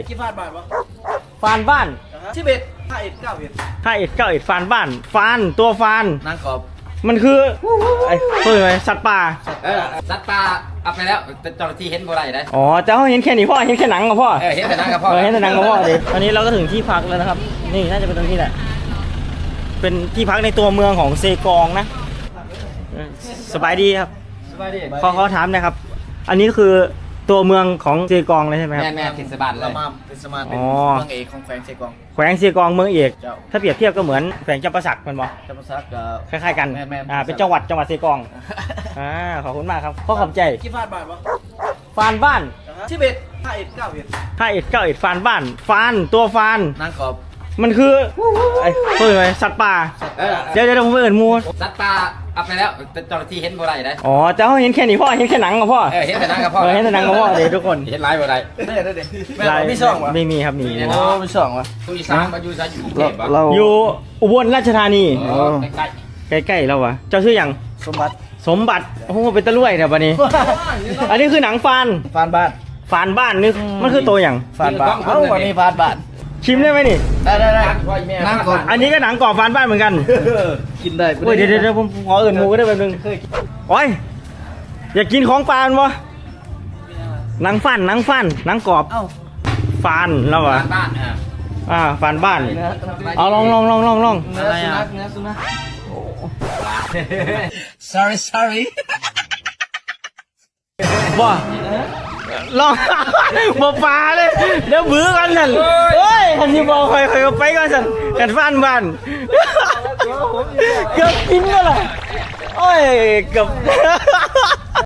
กี่ฟาดบาทวะฟานบ้าน 11 51 91 ฟานบ้านฟานตัวฟานนางกอบมันคือไอ้ตัวอะไรสัตว์ป่าสัตว์ป่าเอาไปแล้วแต่เจ้าหน้าที่เห็นบ่ได้ได้อ๋อแต่เขาเห็นแค่นี้พ่อเห็นแค่หนังกับพ่อเห็นแต่นั่งกับพ่อเห็นแต่หนังกับพ่อดิตอนนี้เราก็ถึงที่พักแล้วนะครับนี่น่าจะเป็นตรงนี้แหละเป็นที่พักในตัวเมืองของเซกองนะสบายดีครับสบายดีเขาถามนะครับ อันนี้คือตัวเมืองของเซกองเลยใช่ไหมครับแม่ทิศบาลเลละยมามเป็นสมาร์ทเป็นอ๋อเมืองเอกของแขวงเซกองแขวงเซกองเมืองเอกเจ้าถ้าเปรียบเทียบก็เหมือนแขวงจำปาสักมันบอกจำปาสักกับคล้ายๆกันแม่นเป็นจังหวัดเซกองขอบคุณมากครับข้อขอบใจกี่ฟาดบาทวะฟานบ้าน 11 51 91 ฟานบ้านฟานตัวฟานนางกอบมันคือไอ้ตัวอะไรสัตว์ป่าเดี๋ยวผมไปเอิ้นหมูสัตว์ป่าเอาไปแล้วแต่เจ้าหน้าที่เห็นบ่ได้ได้อ๋อแต่เขาเห็นแค่นี้พ่อเห็นแค่หนังกับพ่อเห็นแต่นั่งกับพ่อเห็นแต่หนังกับพ่อเดี๋ยวทุกคนเห็นไลฟ์บ่ได้ได้แม่มีช่องวะไม่มีครับมีโอ้มีช่องวะผู้อีสานมาอยู่ซะอยู่กรุงเทพบ่อยู่อุบลราชธานีใกล้ใกล้ๆเราวะเจ้าชื่ออย่างสมบัติสมบัติโอ้โหเป็นตะลุ่ยเนี่ยบัดนี้ อันนี้คือหนังฟานฟานบ้านฟานบ้านนี่มันคือตัวอย่างฟานบ้านเอ้าวันนี้ฟานบ้านชิมได้ไหมนี่ได้พ่อแม่นางกอบอันนี้ก็หนังกรอบฟานบ้านเหมือนกันกินได้โอ้ยเดี๋ยวผมขอเอื่นหมูก็ได้แป๊บนึงโอ้ยอยากกินของปลามันวะหนังฟันหนังกรอบเอ้าฟานแล้ววะบ้านฟานบ้านเอาลองเนื้อสุนัขเนื้อสุนัข sorry ว่าลองบ่ปลาเลยเดี๋ยวบื้อกันสันเฮ้ยทันทีบอกใครก็ไปกันสันกันฟานบ้านเกือบกินก็เลยโอ้ยเกือบ